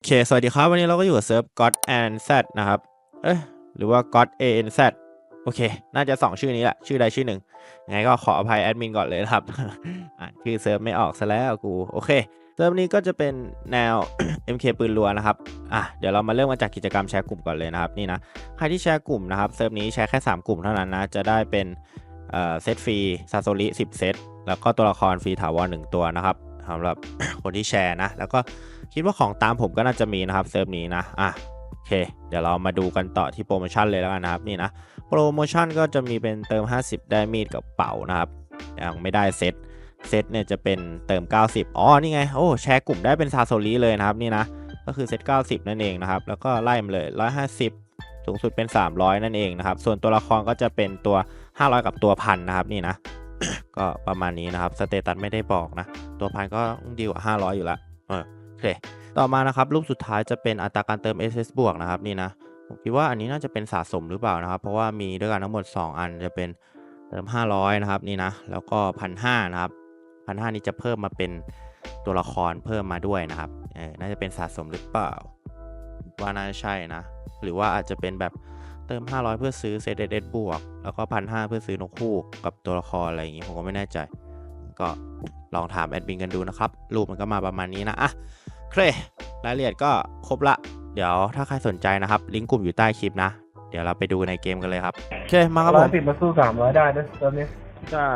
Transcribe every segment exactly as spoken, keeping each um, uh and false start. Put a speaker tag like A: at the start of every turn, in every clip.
A: เคสวัสดีครับวันนี้เราก็อยู่กับเซิร์ฟ God and Z นะครับเอ้ยหรือว่า God เอ เอ็น แซด โอเคน่าจะสองชื่อนี้แหละชื่อใดชื่อหนึ่งยังไงก็ขออภัยแอดมินก่อนเลยนะครับ อ่านชื่อเซิร์ฟไม่ออกซะแล้วกูโอเคเซิร์ฟนี้ก็จะเป็นแนว เอ็ม เค ปืนรัวนะครับอ่ะเดี๋ยวเรามาเริ่มมาจากกิจกรรมแชร์กลุ่มก่อนเลยนะครับนี่นะใครที่แชร์กลุ่มนะครับเซิร์ฟนี้แชร์แค่สามกลุ่มเท่านั้นนะจะได้เป็นเอ่อเซตฟรีซาโซริสิบเซตแล้วก็ตัวละครฟรีถาวรหนึ่งตัวนะครับสำหรับ คนที่แชร์นะแล้วก็คิดว่าของตามผมก็น่าจะมีนะครับเซิร์ฟนี้นะอ่ะโอเคเดี๋ยวเรามาดูกันต่อที่โปรโมชั่นเลยแล้วกันนะครับนี่นะโปรโมชั่นก็จะมีเป็นเติมห้าสิบได้มีดกับเป๋านะครับยังไม่ได้เซตเซตเนี่ยจะเป็นเติมเก้าสิบอ๋อนี่ไงโอ้แชร์กลุ่มได้เป็นซาโซริเลยนะครับนี่นะก็คือเซตเก้าสิบนั่นเองนะครับแล้วก็ไล่มาเลยหนึ่งร้อยห้าสิบสูงสุดเป็นสามร้อยนั่นเองนะครับส่วนตัวละครก็จะเป็นตัวห้าร้อยกับตัวพันนะครับนี่นะ ก็ประมาณนี้นะครับสเตตัสไม่ได้บอกนะตัวพันก็ดีกว่าห้าร้อยอยู่แล้วเออโอเคต่อมานะครับรูปสุดท้ายจะเป็นอัตราการเติม เอส เอส บวกนะครับนี่นะผมคิดว่าอันนี้น่าจะเป็นสะสมหรือเปล่านะครับเพราะว่ามีด้วยกันทั้งหมดสองอันจะเป็นเติมห้าร้อยนะครับนี่นะแล้วก็พันห้านะครับพันห้านี้จะเพิ่มมาเป็นตัวละครเพิ่มมาด้วยนะครับเออน่าจะเป็นสะสมหรือเปล่าว่าน่าจะใช่นะหรือว่าอาจจะเป็นแบบเติมห้าร้อยเพื่อซื้อเซตเอสบวกแล้วก็พันห้าเพื่อซื้อนกคู่กับตัวละครอะไรอย่างงี้ผมก็ไม่แน่ใจก็ลองถามแอดมินกันดูนะครับรูปมันก็มาประมาณนี้นะอ่ะโอเครายละเอียดก็ครบละเดี๋ยวถ้าใครสนใจนะครับลิงก์กลุ่มอยู่ใต้คลิปนะเดี๋ยวเราไปดูในเกมกันเลยครับโอเคมาครับผม
B: ร้อยสิบมาสู้สามร้อยได้นะตอนนี้
A: ใช่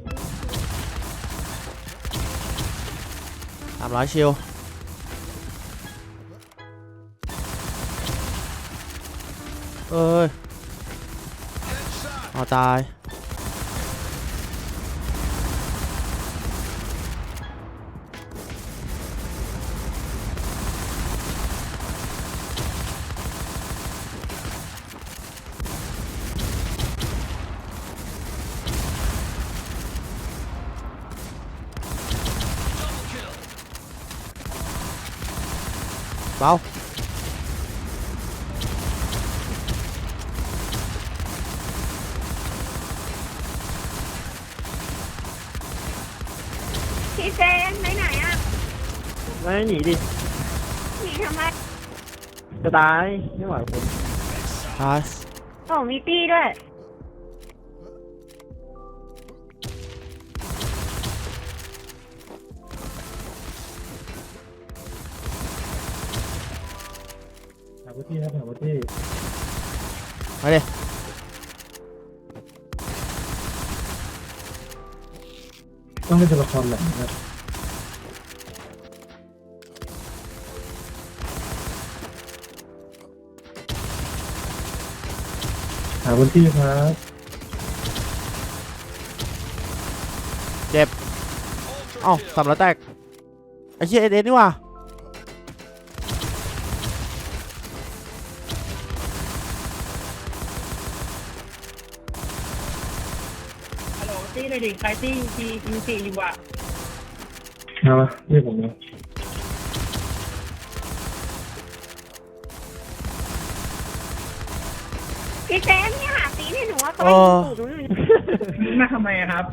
A: สามร้อยชิลเอ้ยเอาตายเบา
C: พี่เจนไปไหนอ่ะ
B: ไม่หนีดิ
C: หนีทำไม
B: จะตายไม่ไหวผม
A: ตาย
C: โอ้มีตี้ด้วย
B: หาพื้นที่ครับหาพื้นที่
A: มาดิ
B: ต้องเป็นตัวละครไหนครับหาพื้นที่ครับ
A: เจ็บเอ้าสามร้อยแตกไอ้เชี่ยเอเดนนี่ว่ะ
D: ฮัลโหลตี้เลยดิใครตี้ทีอินซีอยู่อ่ะ
B: มามาเรียกผมนะ
C: พี่เจนเนี่ยหาตีให้หนูว่าเขาไม่ถูกหนูอยู่
D: มาทำไมอะครับ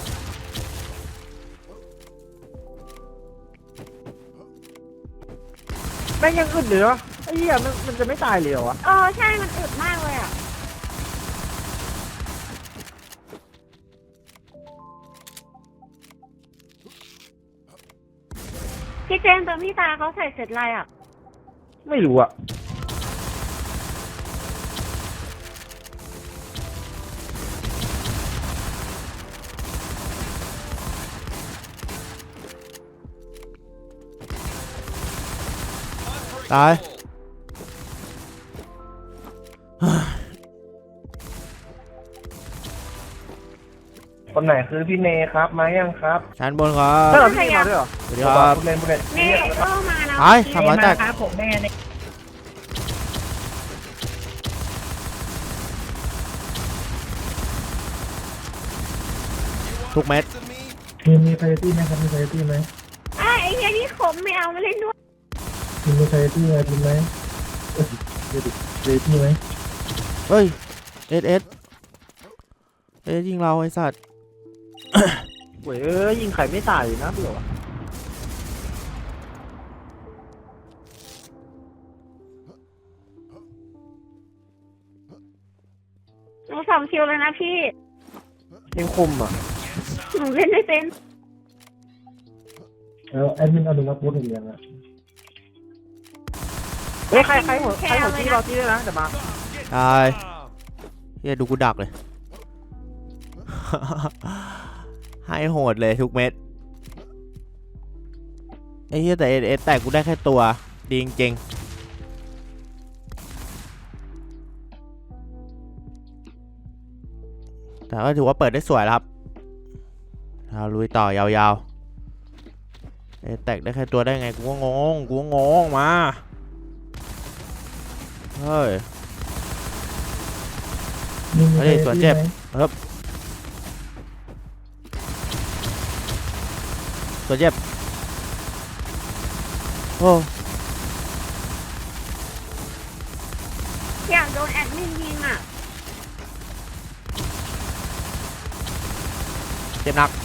B: แม่งยังอึดเหลือไอ้เหี้ยมันมันจะไม่ตายเลยเหรอวะ
C: เออใช่มันอึดมากเลยอ่ะพี่เจนตอนพี่ตาเขาใส่เสร็จอะไรอ่ะ
B: ไม่รู้อ่ะ
A: ตาย
B: คนไหนคือพี่เนครับมายังครับ
A: ชั้นบนครับ
B: ใช่เหรอพี่เนมาด้วยเหรอ
A: สวัสดีครับ
B: คุณเล่นคุณเล่น
C: นี่ก็มาแล้ว
A: ตายสามร้อยแตก
D: ครับผมแม่เนี่ย
A: ทุกเม็ด
B: มีมีไฟตี้ไหมครับมีไฟตี้ไหม
C: ไอ้ไอ้เนี้ยนี่ขมไม่เอามาเล่นด้วย
B: มีมีไฟตี้ไหมมีไหมเอ้ยเดี๋ยวดิไฟตี้ไหม
A: เฮ้ยเอสเอสเอสยิงเราไอ้สัตว์
B: โว้ยเอ้ยยิงไข่ไม่ตายนะเปล่า
C: สองคิวเลยนะพี่
D: ยังคุมอ่ะ
C: หนูเล่นไม่เป็น
B: แล้วแอดมินอนุมัติพูดถึงยังอ่ะ
D: เฮ้ยใครใครหัวใครหัวที่เราที่ด้วยนะเดี๋ยวมา
A: ตายเฮียดูกูดักเลย ให้โหดเลยทุกเม็ดไอ้เฮียแต่เอเอสแตกกูได้แค่ตัวดีจริงๆแต่ก็ถือว่าเปิดได้สวยแล้วครับเราลุยต่อยาวๆเอแตกได้แค่ตัวได้ไงกูก็งงกูก็งงมาเฮ้ย
B: มีมี
A: เฮ้ยตัวเจ็บ
B: ไหม
A: ตัวเจ็บโอ้
C: อยากโดนแอดมินยิงอ่ะ
A: เจ็บหนัก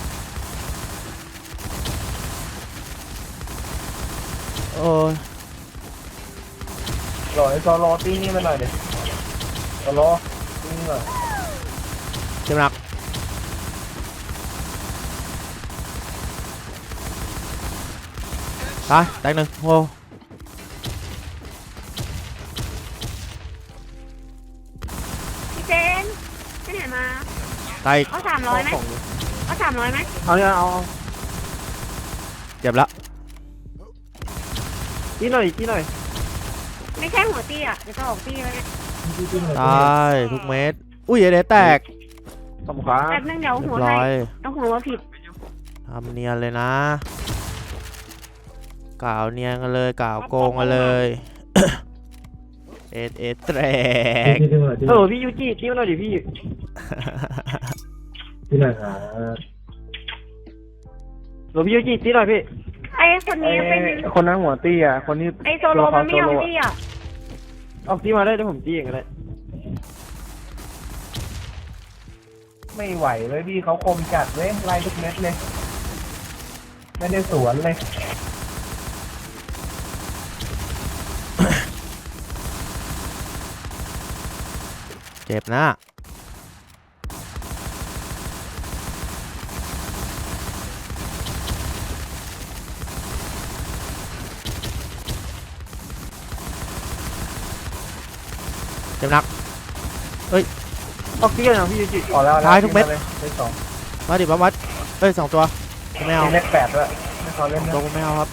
A: โอ้ย
B: รอไอ้ซอรอตีนี่มาหน่อยเดี๋ยวซอรอตีนี่หน่อย
A: เจ็บหนักตายแตกหนึ่งโอ้
C: พี่เจนไปไหนมา
A: ตายอีก
C: เอาสามร้อยไหมเอาสามร้อยไหม
D: เอาเนี่ยเอา
A: เจ็บแล้ว
D: ที่หน่อยที่หน่อย
C: ไม่ใช่หัวตี้อ่ะเดี๋ยวจะออกตี้แล้วเนี่ย
B: ตีตีหน่อย
A: ตายทุกเม็ดอุ้ยเอเดแตก
D: สมขา
C: แป๊บนึงเดี๋ยว
A: เรีย
C: หัว
A: บร้
C: ให้
A: อย
C: เอาหัวมาผิด
A: ทำเนียนเลยนะกล่าวเนียนกันเลยกล่าวโกงกันเลย เอเอแตก
B: ตีตีหน่อยตี
D: เออพี่ยูจิที่มาหน่อยดิพี่
B: ตีหน่อยหา
D: หรือพี่ยูจิที่หน่อยพี่
C: ไอ้คนนี้เป็น
B: คนนั้นหัวตีอ่ะคนนี้
C: ไอ้โซโลมันไม่ยอมตี้อ่ะ
D: ออกที่มาได้เดี๋ยวผมจี้เองก็ได้
B: ไม่ไหวเลยพี่เขาคมจัดเลยไล่ทุกเม็ดเลยไม่ได้สวนเลย
A: เจ็บนะเจ็บหนัก
D: ออกที่กันนะพี่ยูจิ
B: พอแล้ว
A: ท้ายทุกเม็ด
B: เลยได้สอง
A: มาดิบัมวัดเอ้ยสองตัวไม่เอา
B: มีเลขแปดด้วยไม่เขาเล่น
A: ตัว
B: นะ
A: กูไม่เอาครับ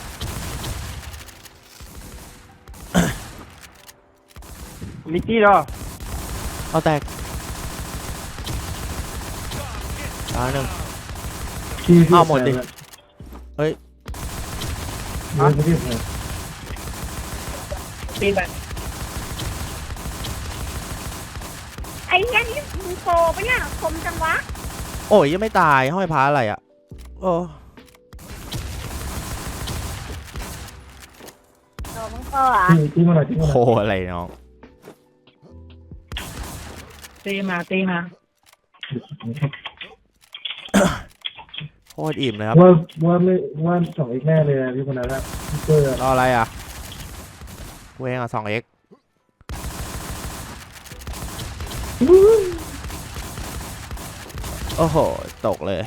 D: ลิกกี้เหรอ
A: เอาแตกตายหนึ่ง
B: พี่พี่
A: เอาหมดดิเฮ้ย
B: เดี๋ยวพี่พี่
D: ตีไป
C: ไอ้เนี้ยนี่มึงโฟปะเนี่ยคมจังวะ
A: โอ้ยยังไม่ตายห้อยพาอะไรอ่ะโอ้
C: โดนมึงโฟอ่ะ
B: พี่พี่มาหน่อยพี่มาห
A: โห
B: น่อย
A: อะไรน้อง
D: ตีมาตีมา
A: โคตรอิ่มเลยครับ
B: ว่าว่าไม่ว่าสองอีกแน่เลยนะพี่คนนั้นอะพี่เกอร์
A: รออะไรอ่ะกูเองอ่ะสองเอ็กโอ้โหตกเลย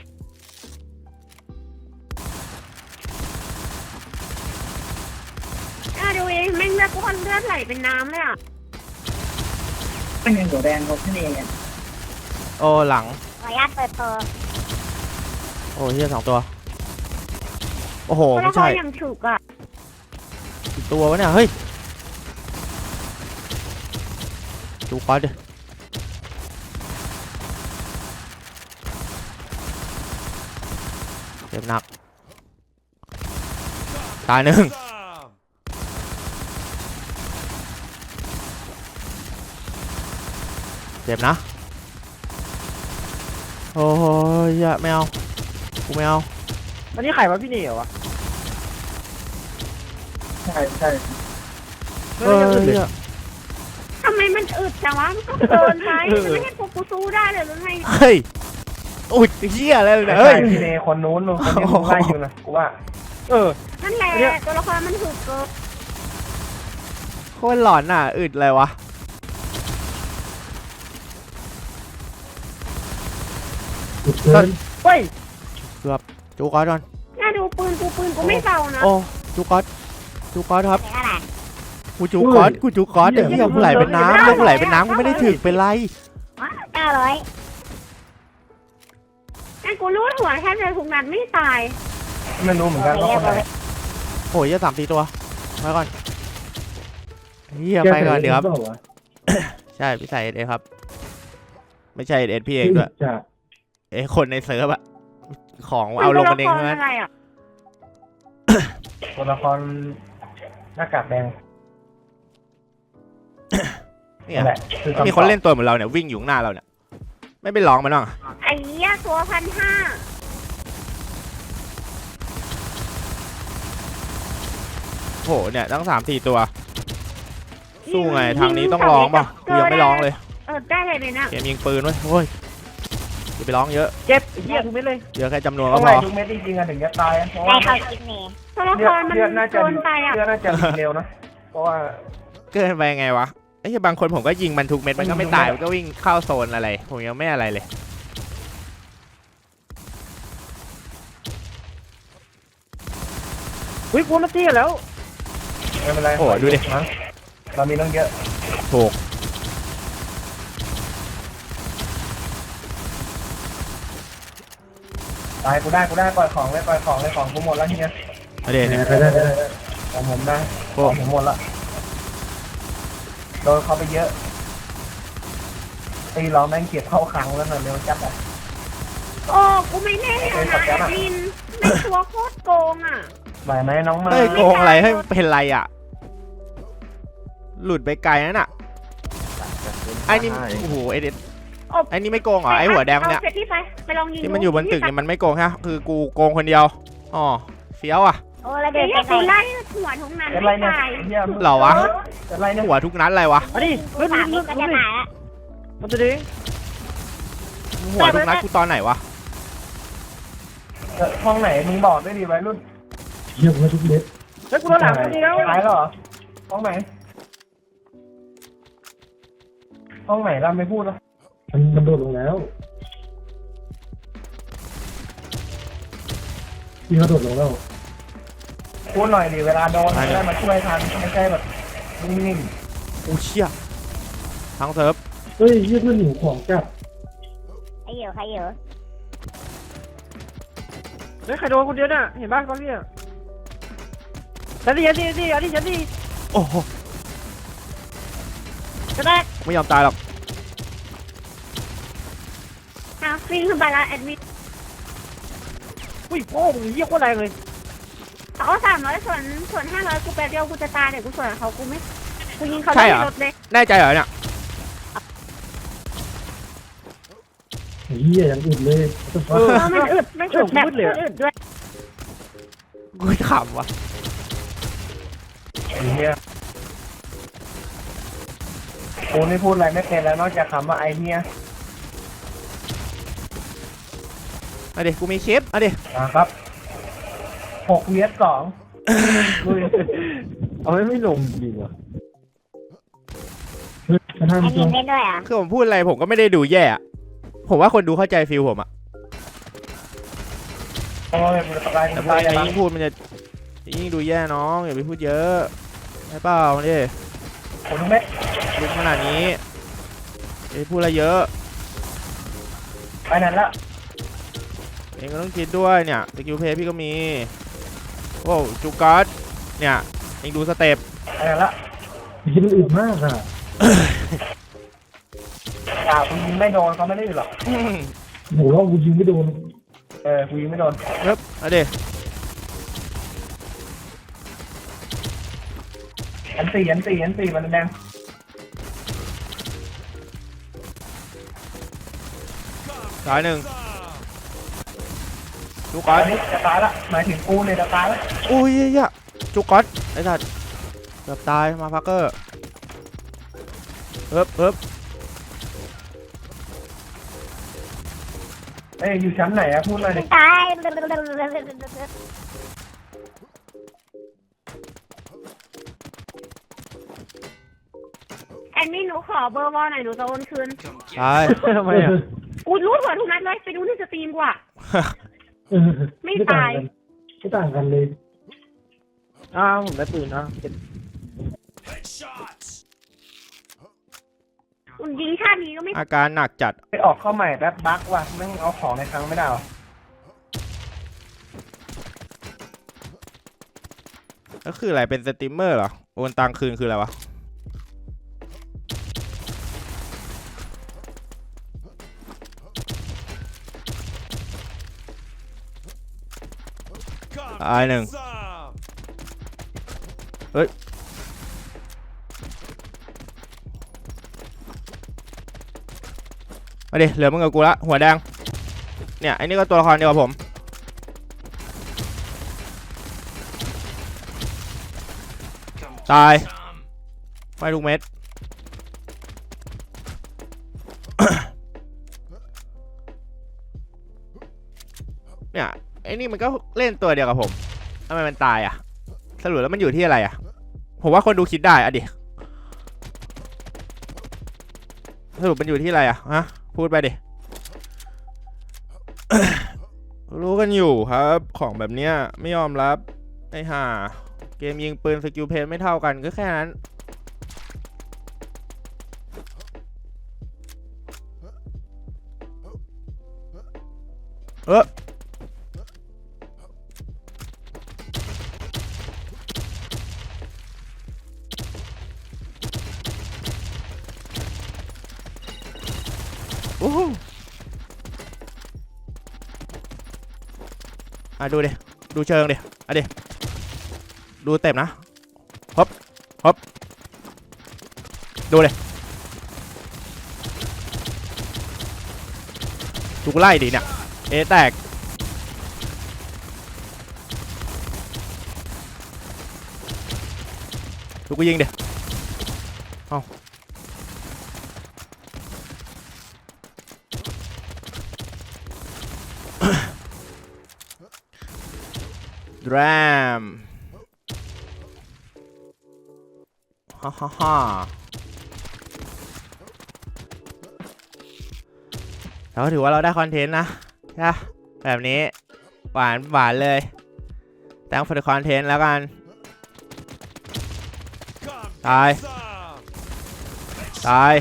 C: อ่ะดูเองแม่งเลือดก้อนเลือดไหลเป็นน้ำเลยอ่ะ
D: เป็นยังตัวแดงเขาขึ้นเอง
A: โอ้หลัง
C: ขออนุญาตเปิดเปิด
A: โอ้เฮียสองตัวโอ้โห
C: เพราะ
A: ไม่
C: เรา
A: ใช่
C: ยังฉุกอ่ะ
A: อีกตัววะเนี่ยเฮ้ยดูก้อนดิเจ็บหนักตายหนึ่งเจ็บนะโอ้ยอย่าไม่เอากูไม่เอา
D: วันนี้ไข่วะพี่เหนียววะ
B: ใช่ใช่
A: เฮ้ยอย่า
C: ทำไมมันอึดจังวะมันก็เกินไปมันไม่ให้กูกูสู้ได้เลยหรือไง
A: เฮ้ยอุ้ยเฮียอะไรเลย
B: ใช่
A: เนี่ยเฮ้ย
B: พี่เนคนนู้นคนที่มึงไล่อยู่นะกูว่า
D: เออ
C: นั่นแหละตัวละครมันถูกเกิน
A: โคตรหลอนอ่ะอึดอะไรวะ
E: เกิน
D: เฮ้ย
A: เกือบจูกอสก่อน
C: น่าดูปืนกูปืนกูไม่เบานะ
A: โอ้จูกอสจูกอสครับ
C: ไหนอะไร
A: กูจูกอสกูจูกอสไอ้เหี้ยกูไหลเป็นน้ำแล้วกูไหลเป็นน้ำกูไม่ได้ถึกเป็นไร
C: เก้าร้อยนั่นกูรูดหัวแทบจะทุกนัดไม่ตาย
B: ไม่รู้เหมือนกันว่าคนไหน
A: โอ้ยยี่สามสี่ตัวมาก่อนเฮียไปก่อนเดี๋ยวครับ
E: แกใส่เปล่าวะ
A: ใช่พี่ใส่เอสเอครับ ไม่ใช่เอสพี่เองด้วย
E: จะ
A: เอยคนในเซิร์ฟอะของเอาลงกันเอง
C: มั
A: ใช่ไหม
C: ตัวละครอะไรอ่ะ
B: ตัวละครหน้ากากแดง
A: เนี่ย
B: นั่นแหละคือำตอบ
A: มีคนเล่นตัวเหมือนเราเนี่ยวิ่งอยู่ข้างหน้าเราเนี่ยไม่ไปร้องมันบ้างอะ
C: ไอ้เหี้ยตัวพันห้า
A: โหเนี่ยตั้งสามสี่ตัว สู้ไงทางนี้ต้องร้องป่ะกูยังไม่ร้องเลย
C: เออได้เลยเนี่ย
A: เกมยิงปืนเว้ยโอ้ยอย่าไปร้องเยอะ
D: เจ็บเหี้ยทุกเม็ดเลย
A: เยอะแค่จำนวน
B: ต้
A: ก็
B: อง
A: พ
B: ไล่
A: อ
B: ทุกเม็ดจริงๆอะถึงจะตายเพราะ
C: ได้
B: ว่า
C: เข้าคลิปนี้ตัวละ
B: เลื
C: ค
B: อ
C: ร
B: ด
C: มัน
B: เลือดน่าจะ
C: โดนไปอ่ะ
B: เลือดน่าจะดีเร็วนะเพราะว่า
A: เกินไปไงวะไอ้เหี้ยบางคนผมก็ยิงมันทุกเม็ดมันก็ไม่ตายมันก็วิ่งเข้าโซนอะไรผมยังไม่อะไรเลย
D: อุ้ยกูมาตีกันแล้ว
B: ไม่เป็นไร
A: โอ้ดูดิ
B: มั้งเรามีตั้งเยอะ
A: ถูก
B: ตายกูได้กูได้ปล่อยของเลยปล่อยของเลยของกูหมดแล้วทีเนี้ย
A: มาเดี๋ยวเนี่ย
E: ไปได้ไปได้
B: ของผมได้
A: โอ้
B: ของผมหมดละโดนเขาไปเยอะตีเราแม่งเก็บเข้าคลังแล้วน่ะเร็วจัดอ่ะ
C: โอ้กูไม่แน่เลยนะแอดมินไม่ตัวโคตรโกงอ่ะ
B: ไหวไหมน้องมา
A: เฮ้ยโกงอะไรให้เป็นไรอ่ะ หลุดไปไกลนั่นอ่ะไอ้นี่โอ้โหไอ้เด็ดไอ้นี่ไม่โกงเหรอไอ้หัวแดงเนี่ย
C: อาเซตที่ไปไปลองยิง
A: ที่มันอยู่บนตึกเนี่ยมันไม่โกงฮะคือกูโกงคนเดียวอ๋อเฟี้ยวอ่ะ
C: โอ้ระเบิดไปกูไล่หัวทุกนั้น
B: เป็นไร
C: ไม่
B: เนี่ย
C: ตาย
B: เหี้ย
A: เหรอวะ
B: เป็นไรเนี่ย
A: หัวทุกนัดอะไรวะ
D: มาดิเฮ้ย
C: สาม
D: มึ
C: นิ
D: ง
C: ดก็
D: มึ
C: จะ
D: ง
C: ตายละ
D: มันจะดิ
A: หัวทุกนัดกูตอนไหนวะ
B: เออห้องไหนมึงบอกด้วยดิวัยรุ่น
E: เยี่ยมมาทุกเม็ด
D: แล้วกูโดนหลังคนเดียว
B: ตายแล้วเหรอห้องไหนห้องไหนเราไม่พูดหรอ
E: มันมันโดดลงแล้วพี่เขาโดดลงแล้ว
B: พูดหน่อยดิเวลาโดนจะได้มาช่วยทันไม่ใช่แบบนิ่ง
A: โอ้เชี่ยทั้งเซิร์ฟ
E: เฮ้ยเยี่ยมมันหนูของจับ
C: ใครเยอะใครเยอะ
D: เฮ้ยใครโดนคนเดียวน่ะเห็นป่ะก้อนเนี่ยฉันดิฉันดิฉันดิอันนี้ฉันดิ
A: โอ้โห
C: จะได้
A: ไม่ยอมตายหรอก
C: ฮาฟิงขึ้นไปละแอดมิน
D: อุ้ยโป้งเหี้ยโคตรแรงเลย
C: เขาสามร้อยส่วนส่วนห้าร้อยกูแป๊บเดียวกูจะตายเดี๋ยวกูส่วนเขากูไม่กูยิงเขาได้รถเลย
A: แน่ใจเหรอเนี่ย
E: เยี่ยยังอึดเลย
D: เออ
C: เออมันอึดมันอึดแบบอึดด้วย
A: กูขำวะ
B: ๆไอ้เหี้ยกูไม่พูดอะไรไม่เป็นแล้วนอกจากคำว่าไอ้เหี้ย
A: มาดิกูมีคลิปมาดิ
B: นะครับหกเวียดสองลุย
E: เอาไม่ไม่ลงจริงวะเฮ้ยกระทั่ง
C: ไอ้
E: ตั
C: ยิ
E: ว
C: งเล่นด้วยอ่ะ
A: คือผมพูดอะไรผมก็ไม่ได้ดูแย่อะผมว่าคนดูเข้าใจฟิลผมอะ
B: โอ้ยกูจะตาย
A: แต่
B: กู
A: พูด
B: ตาย
A: อะไร
B: แล้ว
A: ยิ่งพูดมันจะยิ่งดูแย่น้องอย่าไปพูดเยอะใช่เปล่ามาดิ
B: ผมไม่
A: ลุกขนาดนี้อย่าไปพูดอะไรเยอะ
B: ไปไหนละ
A: เองก็ต้องคิดด้วยเนี่ยสกิลเพย์พี่ก็มีโอ้จูการ์ดเนี่ยเองดูสเต็ป
B: ไปไหนละ
E: ที่มันอึดมากอ่ะ
B: อ่ากูยิงไม่โดนเขาไม่ได้หรอก
E: โหเรากูยิงไม่โดน
B: เออกูยิงไม่โดน
A: เฮ้ยมาดิ
B: อันสี่อันสี่อันสี่มันแดง
A: สายหนึ่งจูการ์
B: อั
A: ด
B: นนี้จะตายละหมายถึงกูเนี่ยจะตายละ
A: อุ้ยเหี้ยจูการ์ดไอ้สัตว์เกือบตายมาพักเกอร์เฮ้ยเฮ้ย
B: เอ้ยอยู่ชั้นไหนอะพูดเลยดิ
C: ตายแอดมินหนูขอเบอร์วอลหน่อยหนูจะโอนคืน
A: ตาย
D: ทำไมอ่ะ
C: กูรู้หัวทุกนัดเลยไปดูในสตรีมกูอะ
E: เออ
C: ไม่ตาย
E: ไม่ต่างกันเลย
D: อ้าวผมได้ปืนนะ
C: อุ่นยิงชาตินี้ก็ไม่
A: อาการหนักจัด
B: ไปออกเข้าใหม่แป๊บบั๊กว่ะแม่งเอาของในครั้งไม่ได้หรอ
A: ก็คืออะไรเป็นสตรีมเมอร์เหรอโอนตังคืนคืออะไรวะตายหนึ่งเฮ้ยมาดิเหลือมึงกับกูละหัวแดงเนี่ยไอ้นี่ก็ตัวละครเดียวกับผมตายไม่ทุกเม็ด เนี่ยไอ้นี่มันก็เล่นตัวเดียวกับผมทำไมมันตายอ่ะสรุปแล้วมันอยู่ที่อะไรอ่ะผมว่าคนดูคิดได้อ่ะดิสรุปมันอยู่ที่อะไรอ่ะฮะพูดไปดิ รู้กันอยู่ครับของแบบเนี้ยไม่ยอมรับไอ้ห่าเกมยิงปืนสกิลเพนไม่เท่ากันก็แค่นั้นเออโอ้โหอ่ะดูดิดูเชิงดิอ่ะดิดูเต็มนะฮบฮบดูเลยดูกูไล่ดิเนี่ยเอแตกดูกูยิงดิเอ้าดรามฮ่าฮ่าฮ่าเราก็ถือว่าเราได้คอนเทนต์นะใช่แบบนี้หวานหวานเลยแต่ง for the content แล้วกันตายตาย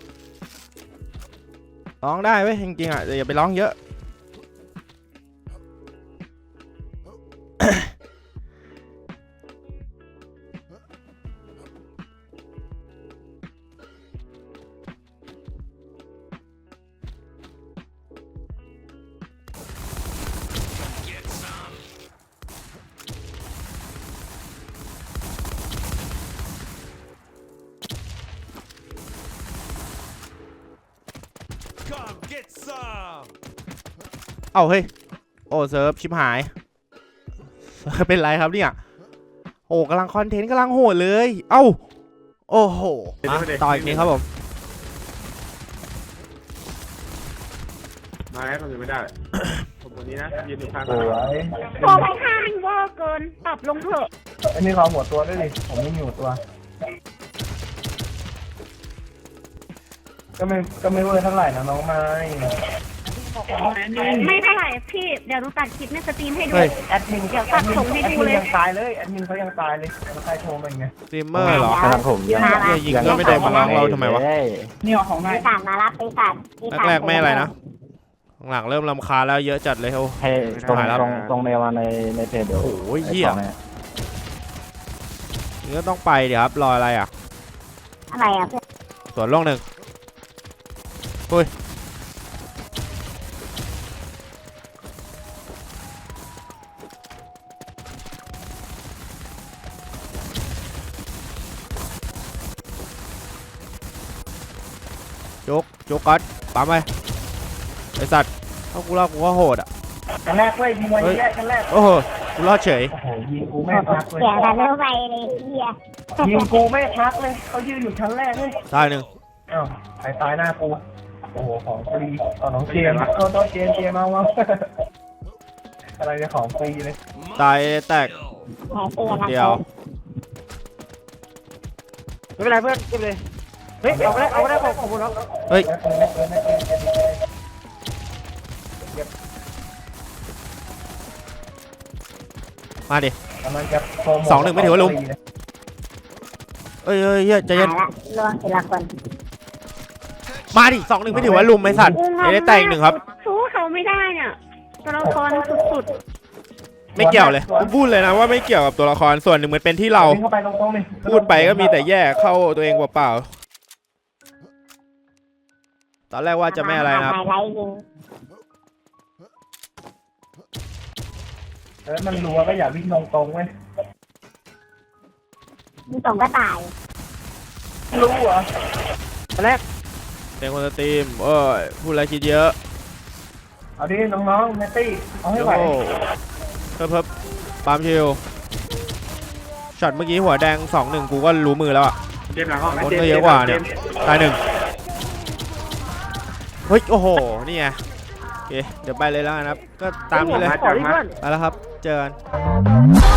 A: ร้องได้เว้ยจริงๆอ่ะแต่อย่าไปร้องเยอะ เอ้าเฮ้ยโอ้เซิร์ฟชิบหายเซิร์ฟเป็นไรครับเนี่ยโอ้กำลังคอนเทนต์กำลังโหดเลยเอ้าโอ้โหมาต่ออีกนิดครับผม
F: มาแล้วผมยังไม่ได้ ผมคนนี้นะยืนอยู่ข้าง
B: สวย
C: ตัวไปข้างเวอร์เกินปรับลงเถอะ
B: อันนี้เขาหัวตัวด้วยดิผมไม่มีหัวตัว ก็ไม่ก็ไม่เวอร์เท่าไหร่นะน้องไม้
C: ไม่เท่าไหร่พี่เดี๋ยวหนูตัดคลิปในสตรีมให้ดู
A: เฮ้ย
B: แอดมิน
C: เดี๋ยวตัดส่งให้ดูเลย
B: แอดมินยังตายเลยแอดมินเขายังตายเลยแล้วใครโทรมาอย่างเงี้ย
A: สตรีมเมอร์เหรอ
C: ครับผม
A: เหี้ยยิงก็ไม่โดนมาล้างเราทำไมวะ
B: นี่เอาของนาย
C: ปีศาจมารับปีศาจปีศาจ
A: แรกๆไม่อะไรนะหลังๆเริ่มรำคาญแล้วเยอะจัดเลยโอ้
E: ให้ตรง
A: หายแล้ว
E: ตรงตรงในมาในในเพจเดี๋ยว
A: โอ้ยเหี้ยนี่ก็ต้องไปเดี๋ยวครับรออะไรอ่ะ
C: อะไรอ่ะเพื่อน
A: สวนโลกหนึ่งอุ้ยจุกจุกก๊อตปั๊มไปไอสัตว์ถ้ากูรอดกูก็โหดอ่ะ
B: กันแรกเว้ยยิงวันแรกกันแรก
A: โอ้โหกูรอดเฉย
B: โอ้โหยิงกูไม่พักเลย
C: เสียงดันเร็วไปเลยเฮีย
B: ยิงกูไม่พักเลยเขายืนอยู่ชั้นแรกเลย
A: ตายหนึ่ง
B: อ้าวใครตายหน้ากูโอ้โหของฟรีเอาน้องเจมส์โทษโทษเจมส์เจมส์เอาเอาอะไรเนี่ยของฟรีเลย
A: ตายแตก
C: แผลเตียน
A: เดียว
D: ไม่เป็นไรเพื่อนเก็บเลยเฮ้ยเอาไปได้เอาไปได้ขอบคุณครับ
A: เฮ้ย
B: แล้วเปิดแล้วเปิดแล้วเปิดแล้วเปิดแล้ว
A: มาดิ
B: กำลังจะโปรโมท
A: สองหนึ่งไม่ถือว่าลุม เอ้ยเอ้ยเฮ้ยใจเย็น
C: ตายละระวังเสร็จละก่อน
A: มาดิสองหนึ่งไม่ถือว่าลุมไอ้สัตว์
C: กูงง
A: ไม่ได้แตกอีกหนึ่งครับ
C: สู้เขาไม่ได้เนี่ยตัวละครสุด
A: ไม่เกี่ยวเลยกูพูดเลยนะว่าไม่เกี่ยวกับตัวละครส่วนหนึ่งมันเป็นที่เรา
B: วิ่งเข้าไปตรงๆนี่
A: พูดไปก็มีแต่แย่เข้าตัวเองเปล่าๆตอนแรกว่าจะไม่อะไรนะครับ
C: ไฮไลท์ยิง
B: เออมันรัวก็อย่าวิ่งตรงๆเว้ย
C: มึงตรงก็ตาย
B: รู้เหรอ
D: แรก
A: เป็นคนสตรีมเอ้ยพูดอะไรคิดเยอะ
B: เอาดิน้องๆเนตตี้เอาให้
A: โอ้
B: ไหว
A: โหเพิ่มเพิ่มปาล์มชิลช็อตเมื่อกี้หัวแดงสองหนึ่งกูก็รู้มือแล้วอ่ะ
F: เจมส์หลังห้องนะ
A: คน
F: เจม
A: ก็
F: ส์
A: เยอะกว่าเนี่ยตายหนึ่งเฮ้ยโอ้โหนี่ไงโอเคเดี๋ยวไปเลยแล้วกันครับก็ตามนี้เลย
D: ขอรีบเพื่อน
A: ไปแล้วครับเจอกัน